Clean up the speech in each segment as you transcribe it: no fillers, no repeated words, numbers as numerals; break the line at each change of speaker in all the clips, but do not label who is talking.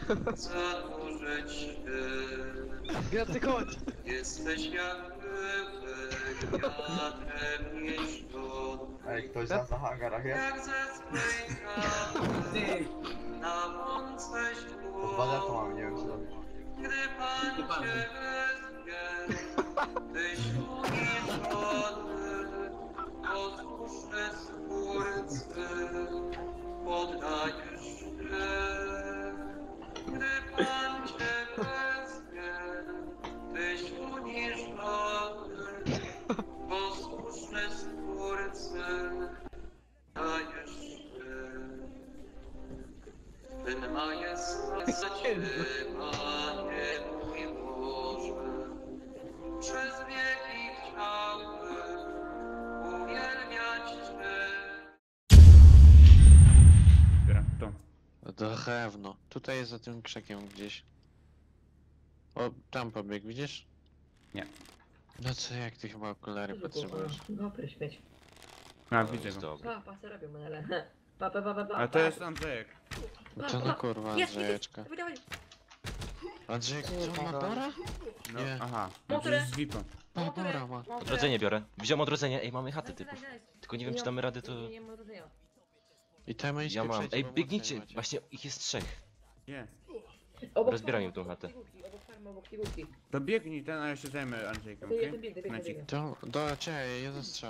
zanurzyć
Graty, chodź!
Jesteś jak wiatrem niszczony.
Ej, ktoś za hangarach jest?
Jak ze swej kawy na mące
To 2 to mam, nie wiem co robić.
Gdy Pan cię wezwie, tyś uniżony, posłuszny Stwórcy, poddajesz się. Gdy Pan cię wezwie, tyś uniżony, posłuszny Stwórcy, dajesz się. Ten majestacie, Panie mój Boże, przez wieki chciałbym uwielbiać Cię.
Zbieram to.
Drewno. Tutaj jest za tym krzakiem gdzieś. O, tam pobiegł, widzisz?
Nie.
No co, jak ty chyba okulary potrzebujesz?
No, pryśmieć.
A, widzę go.
Pa, se robią menele. Pa.
A to jest Andrzejek.
To no kurwa,
Jest,
Andrzejeczka.
Dawaj.
Andrzejek, co ma Bora?
No,
Nie.
aha.
Motorę.
To jest VIP-a.
Ma Bora ma.
Odrodzenie biorę. Wziąłem odrodzenie, ej mamy chatę typów.
Nice.
Tylko nie wiem czy damy radę to...
Nie mam rodzenia.
I temańskie
Ja mam.
przejdzie,
Ej,
bo
biegnijcie!
mocniej macie.
Właśnie ich jest 3.
Nie.
Rozbieram im tą chatę.
Obok farmy, obok figurki.
To biegnij ten, a ja się zajmę Andrzejkiem,
To ja
okej?
ten biegnę.
Knacik.
Do ciebie, ja zastrzał.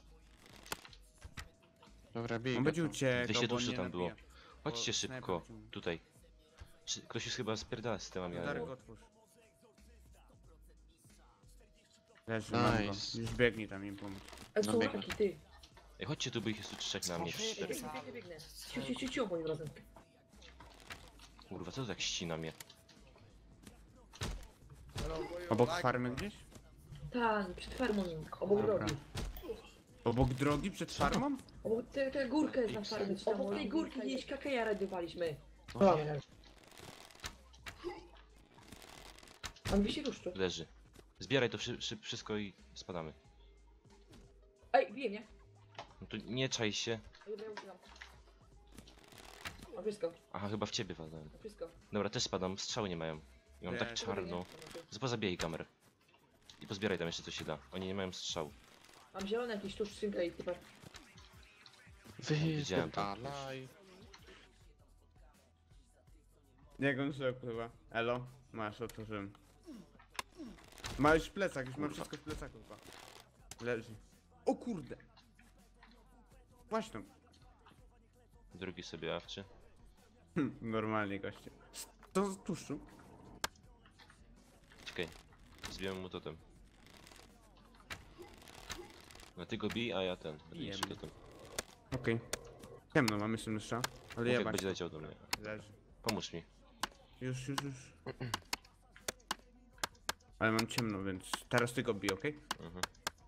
Dobra, bij
On
go
będzie
tam.
uciekał,
200
bo on
duszy
nie
tam było.
nabija.
Chodźcie
Bo
szybko.
snajper ciągnie.
Tutaj. Ktoś już chyba spierdala z temami,
Darek,
ale...
otwórz. Leży, mam go.
Nice.
Już biegnij tam im pomóc.
A są
biegnę.
raki, ty.
Ej, chodźcie tu, bo ich jest tu 3 na mnie. 4.
Biegnę. Ciu, moim razem.
Kurwa, co to tak ścina mnie?
Obok farmy gdzieś?
Tak, przed farmą, obok
Dobra.
drogi.
Obok drogi przed farmą?
Obok tę górkę jest na farmie. Obok tej górki gdzieś KKR rajdowaliśmy.
No.
On wisi ruszczu.
Leży. Zbieraj to wszystko i spadamy.
Ej, bije mnie.
No to nie czaj się.
Dobra, ja uciekam. Mam wszystko,
Aha, chyba w ciebie walnąłem.
mam wszystko.
Dobra, też spadam, strzały nie mają. I mam tak
Nie.
czarno. Pozabijaj kamerę. I pozbieraj tam jeszcze co się da. Oni nie mają strzału.
Mam zielone jakieś tuż skrzynkę i typa.
Widziałem to.
Wypierdalaj.
Jak on się opływa? Elo? Masz, otworzyłem. Ma już plecak, już mam wszystko w plecaku chyba. Leży. O kurde! Właśnie tam.
Drugi sobie awczy.
Normalnie goście. To z tłuszczu?
Czekaj. Zbijemy mu totem. No ty go bij, a ja ten. Będę
Jem.
niszczył totem.
Okej. Ciemno, mamy jeszcze mysza. Ale
Mów,
ja
jak
bać.
będzie leciał do mnie.
Leży.
Pomóż mi.
Już. Ale mam ciemno, więc teraz ty go bij, okej?
Mhm.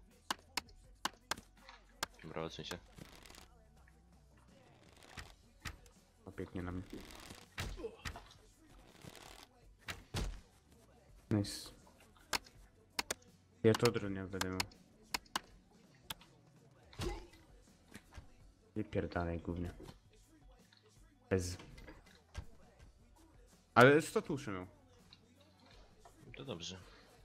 Dobra, odsuń się.
Opieknie na mnie. Nice. Ja to dronię będę miał. Wypierdalaj głównie. Bez. Ale 100 tuszy miał.
To dobrze.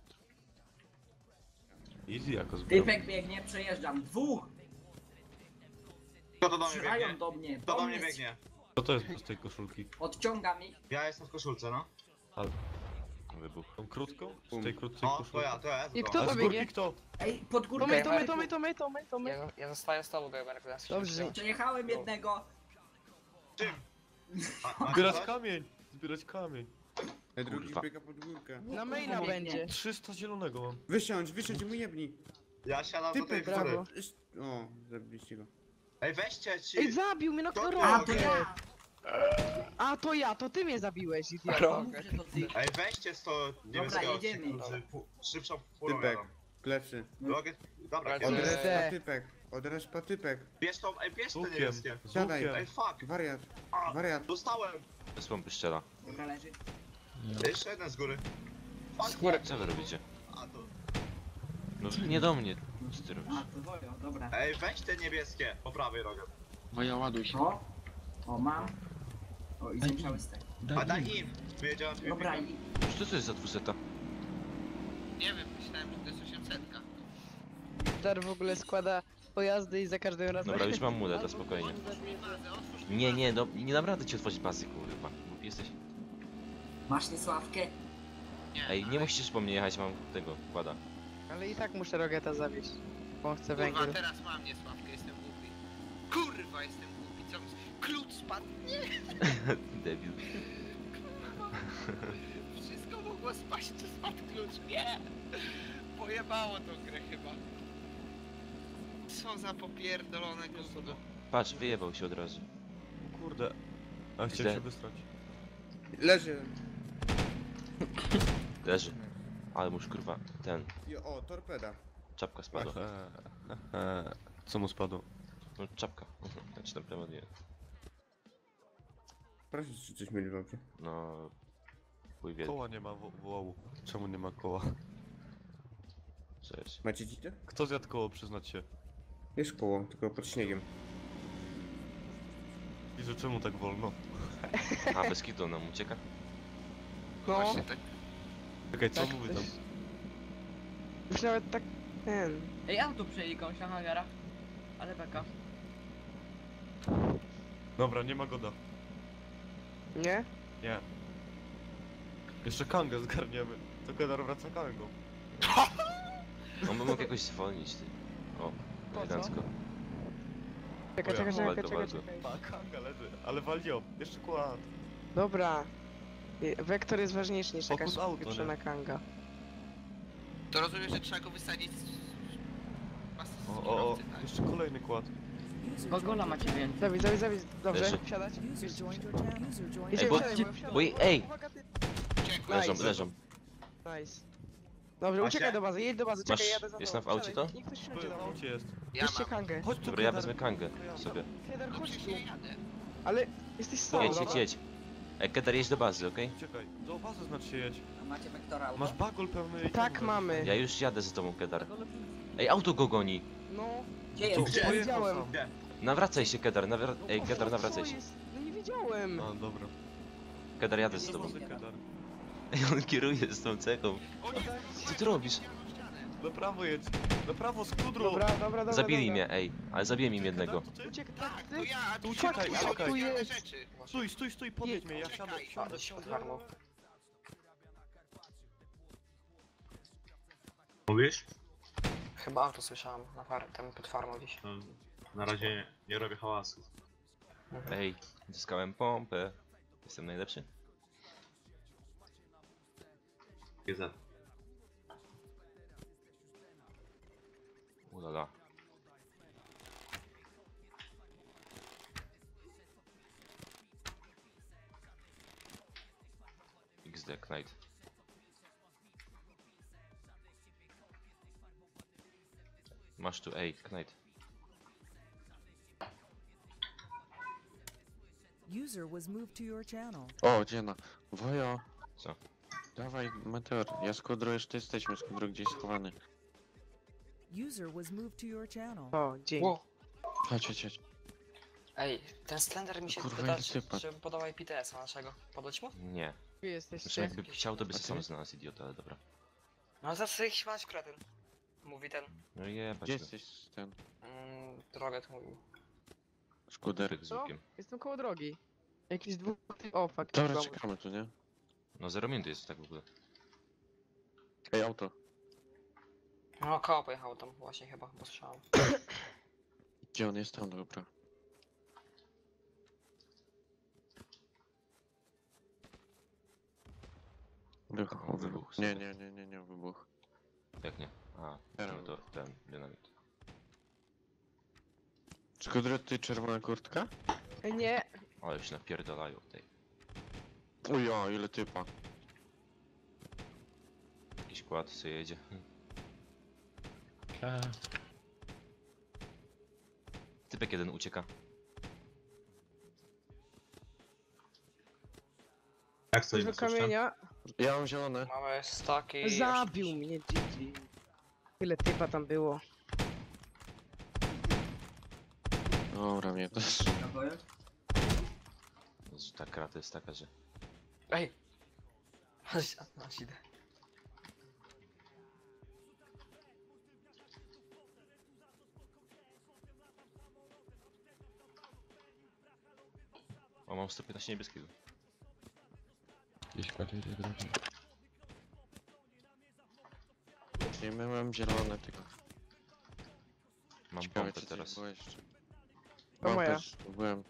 Easy jako zbiór.
Typek biegnie, przejeżdżam. Dwóch!
Kto to do mnie
Strzelają
biegnie?
do mnie.
Kto do mnie biegnie?
Co to jest z tej koszulki?
Odciągam ich.
Ja jestem w koszulce, no.
Wybuch.
Tą krótką? Z tej krótkiej
No,
koszulki?
to ja.
I
to.
kto
A
to
z
biegnie?
górki kto?
Ej, pod
To
górkę.
my.
Ja zostaję z tobą, Gamerku, na
Dobrze.
Przejechałem jednego.
Czym?
Zbierać kamień! Zbierać kamień.
Drugi
Kurwa.
biega pod górkę.
Na maila będzie.
300 zielonego mam.
Wysiądź i mu jebnij.
Ja siadam do tej
Typek,
góry.
brawo.
O, zabiliście go.
Ej, weźcie ci.
Ej, zabił mnie, no kto
To
A,
robi?
to ja!
A, to ja, to ty mnie zabiłeś, idioto.
Mów, że to ty.
Ej, weźcie 100 niebieskiego.
jedziemy.
Szybszą furą
Typek.
jadą.
Plecy.
Drogę. Dobra,
Odrę-
bierz.
Odrespa typek. Odrespa typek.
Bierz tą, ej, bierz te
Z
niebieskie.
łukiem. Z
Siadaj.
łukiem.
Ej, fuck.
Wariat.
A,
Wariat.
dostałem.
Bez pompy strzela.
Dobra, leży.
Jeszcze jeden z góry. Fuck.
Co wy robicie?
A, to...
No nie do mnie. Co ty robisz?
A, to wojo, dobra.
Ej, weź te niebieskie. Po prawej rogę.
Moja ładuj się.
O, mam. O, i zwiększały stek.
A daj im! Wyjedziałem dwie
Dobra,
biegi.
Co to jest za 200?
Nie wiem, myślałem, że to jest 800.
Dar w ogóle składa pojazdy i za każdym razem...
Dobra, już mam muleta, spokojnie. Nie, no nie dam rady ci otworzyć pasy, kurwa. Głupi jesteś.
masz niesławkę?
Ej, nie musisz po mnie jechać, mam tego, kłada.
Ale i tak muszę Rogeta zawieść. Bo chcę
Kurwa,
węgiel.
teraz mam niesławkę, jestem głupi. Kurwa, jestem głupi, co? Klucz spadł?
Debil.
Wszystko mogło spaść, czy spadł klucz? Nie! Pojebało tą grę chyba. Co za popierdolone gówno.
Patrz, wyjebał się od razu.
Kurde. A
Źle.
chciałem się wystrać.
Leży.
Leży. Ale muż kurwa, ten,
O, torpeda.
czapka spadła.
Co mu spadło?
No czapka. Znaczy tam prawo nie.
Proszę, czy coś mieli w aucie?
No... Chuj wielki.
Koła nie ma wołu. Czemu nie ma koła?
Cześć.
Macie dzite?
Kto zjadł koło, przyznać się?
Jest koło, tylko pod śniegiem.
I że czemu tak wolno?
A, bez kitu nam ucieka?
No,
Właśnie tak.
Czekaj, co
Tak,
mówi
to
tam?
jest- już nawet tak... ten...
Ej, auto przejęli komuś na hangara. Ale beka.
Dobra, nie ma goda.
Nie?
Nie. Jeszcze kangę zgarniemy. To Kedar wraca kangą.
On by mógł jakoś zwolnić, ty. O,
co?
elegancko.
Czekaj,
O ja,
czekaj, czekaj,
waldo,
czekaj,
waldo.
czekaj.
A, kanga leży. Ale walio. Jeszcze kład.
Dobra. Wektor jest ważniejszy niż jakaś
Fokus auto,
pieprzona kanga.
To rozumiem, że trzeba go wysadzić z...
O, jeszcze kolejny kład.
Gogola macie więcej.
Zawidź, dobrze,
Leży.
wsiadać.
Ej, bo-
Wsiadaj,
bo ej!
Uwaga, ty-
Leżą,
Nice.
leżą.
Nice. Dobrze,
Macie?
uciekaj do bazy, jedź do bazy, czekaj,
Masz-
jadę za
jest
tobą.
na w aucie
Wsiadaj,
to?
Niech ktoś wsiądzie
W
do mnie.
aucie jest.
Ja
Bierzcie
mam.
kangę.
Chodź tu,
Dobra, ja
Kedar.
wezmę kangę sobie.
Feder,
No
chodź tu.
przecież nie jadę.
Ale jesteś sam.
Jedź, jedź, jedź. Ej, Kedar, jedź do bazy, okej?
Czekaj, do bazy znaczy się jedź.
A macie wektora auto?
Masz bagol pełny...
Tak mamy.
Ja już jadę z tobą, Kedar. Ej, auto go goni!
No,
Gdzie
Tu,
jest?
gdzie?
widziałem.
Gdzie?
Nawracaj się, Kedar, Ej,
O,
Kedar,
co
nawracaj się.
jest? No nie widziałem.
A, dobra.
Kedar, jadę z tobą.
Bazy, Kedar.
Ej, on kieruje z tą cechą. Co ty robisz?
Na prawo jedź. Na prawo, z kudru.
Dobra.
Zabili
dobra.
mnie, ej. Ale zabije mi jednego.
Kedar, to ty?
Uciekł,
Tak,
tak,
to
ty?
ja,
Tu
tu
uciekaj,
uciekaj,
uciekaj.
Tu jest.
rzeczy.
Stój, podjedź mnie, ja siadę, siadę.
Mówisz?
Chyba auto słyszałem tam pod farmą gdzieś.
No, na razie nie robię hałasu.
Ej, zyskałem pompę. Jestem najlepszy.
GZ.
Ulala. XD Knight. Masz tu, ej, Knight.
User was moved to your channel.
O, dziena. Wojo.
Co?
Dawaj, meteor. Ja z Kudro jeszcze jesteśmy, z Kudro gdzieś schowany.
User was moved to your channel.
O, dzień.
Ło.
Chodź.
Ej, ten Slender mi się
Kurwa,
pyta,
jaki typa.
czy podoba IPTS-a naszego. Podać mu?
Nie.
Wy
Znaczy
jesteście.
jakby chciał, to by
Okej.
sam znalazł idiota, ale dobra.
No za sobie śmiać kretyn. Mówi ten.
No jebać
Gdzie
go.
jesteś ten
Droget mówił.
skuter?
Tyk z
Co?
łukiem.
Jestem koło drogi. Jakiś dwóch... O, fuck.
Dobra,
chyba
czekamy tu, nie?
No 0 minut jest tak w ogóle.
Ej, auto.
No koło pojechał tam właśnie chyba, bo słyszałem.
Gdzie on jest? Tam, dobra.
O, wybuch
Nie,
sobie.
nie, wybuch.
Jak nie? A,
Teraz.
no to ten, dynamit.
Czy Kudro, ty czerwona kurtka?
Ej, nie.
Ale się napierdalają tej.
O ja, ile typa.
Jakiś kład sobie jedzie. Typek jeden ucieka.
Jak stoimy
Dużo
z kosztem?
kamienia.
Ja mam zielone.
Mamy staki.
Zabił mnie, GG. Tyle typa tam było.
Dobra, mnie też.
Naboje?
Ta krata jest taka, że...
Ej! Aż idę.
O, mam 115 niebieskiego.
Nie miałem zielone tylko.
Mam
Ciekawe
pompę
czy
teraz.
teraz. Było jeszcze.
To moja.
Też zdobyłem.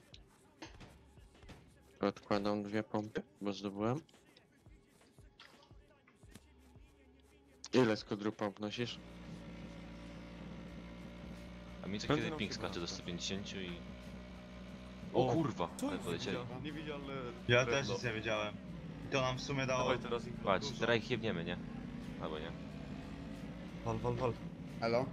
Odkładam 2 pompy, bo zdobyłem. Ile z kodru pomp nosisz?
A mi co
Będzie
kiedy
nam
ping
się
skacze do
wraca.
150 i... O
O,
kurwa,
Co
ale
jest
polecieli.
Niewidzialne
Ja
drewno.
też nic nie wiedziałem. I to nam w sumie dało...
Dawaj teraz ich
Patrz,
dużo.
teraz ich jebniemy, nie? Albo nie.
Wal.
Elo?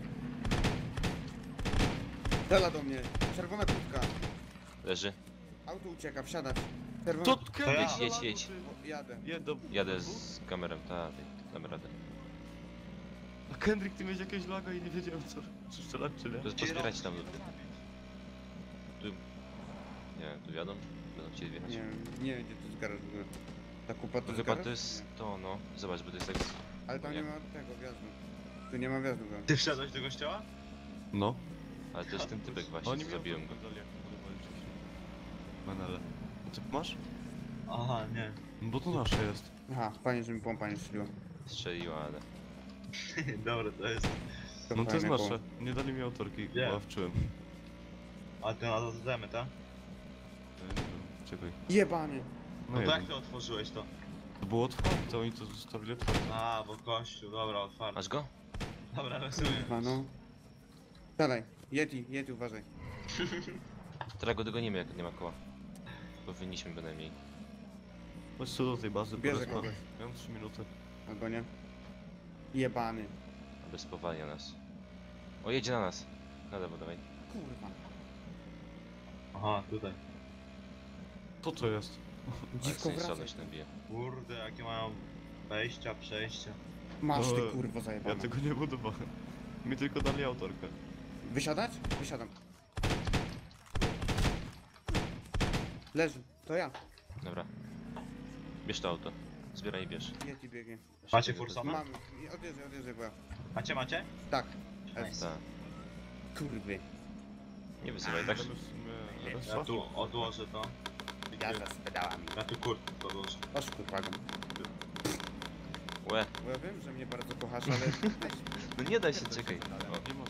Strzela do mnie. Czerwona kurtka.
Leży.
Auto ucieka, wsiadać. Czerwona...
To
ja.
Jedź.
O, jadę.
Jadę z kamerą, dam radę.
A Kendrick, ty miałeś jakieś laga i nie wiedziałem co, czy strzelać czy nie.
To jest pozbierać tam luty. Tu... Nie wiem, tu wiadomo? Będą chcieli wjechać.
Nie wiem gdzie to jest garaż w ogóle. Ta kupa to
No
jest
chyba
garaż?
to jest
Nie.
to, no. Zobacz, bo to jest tak...
Ale tam
nie.
nie ma tego wjazdu. Tu nie ma wjazdu go.
Ty wszedłeś do kościoła?
No.
Ale to jest ten typek właśnie,
Oni
co
mi
zabiłem go.
Manele. A ty masz?
Aha, nie.
No bo to nasze jest.
Aha, fajnie, że mi pompa nie strzeliła.
Strzeliła, ale...
Dobra, to jest...
No to jest
fajne
nasze. Nie dali mi autorki,
Nie.
ławczyłem.
A ty na to zdemy, tak?
Nie wiem, czekaj.
Jebany!
No to
jeden.
jak ty otworzyłeś to?
To było otwarte, oni to zostawili otwarte.
A, bo kościół, dobra, otwarty.
Masz go?
Dobra, rozumiem.
Kurwa, no. Dalej, Yeti, uważaj.
Teraz go dogonimy, jak nie ma koła. Powinniśmy bynajmniej.
Chodź co do tej bazy,
Bierze
porozma-
kogoś.
Miałem 3 minuty.
Albo nie. Jebany.
Aby spowalnia nas. O, jedzie na nas. Na lewo, dawaj.
Kurwa.
Aha, tutaj.
To co jest?
Dziwko
Ale
wracaj.
sobie nabije.
Kurde, jakie mają wejścia, przejścia.
Masz ty
No,
kurwo
Ja
zajebana.
tego nie budowałem. Mi tylko dali autorkę.
Wysiadać? Wysiadam. Leży, to ja.
Dobra. Bierz to auto. Zbieraj i bierz.
Yeti biegnie.
Macie Fursona?
Mam, odjeżdżaj, bo ja.
Macie?
Tak.
Nice.
Tak.
Kurwy.
Nie wyzywaj, tak?
Możemy w sumie
Ja
restart?
tu odłożę to.
Jazda z pedałami.
Ja tu kurtkę podłożę.
Oż kurwa go.
Łe.
Bo ja wiem, że mnie bardzo kochasz, ale...
No nie daj się, czekaj.
Nie ma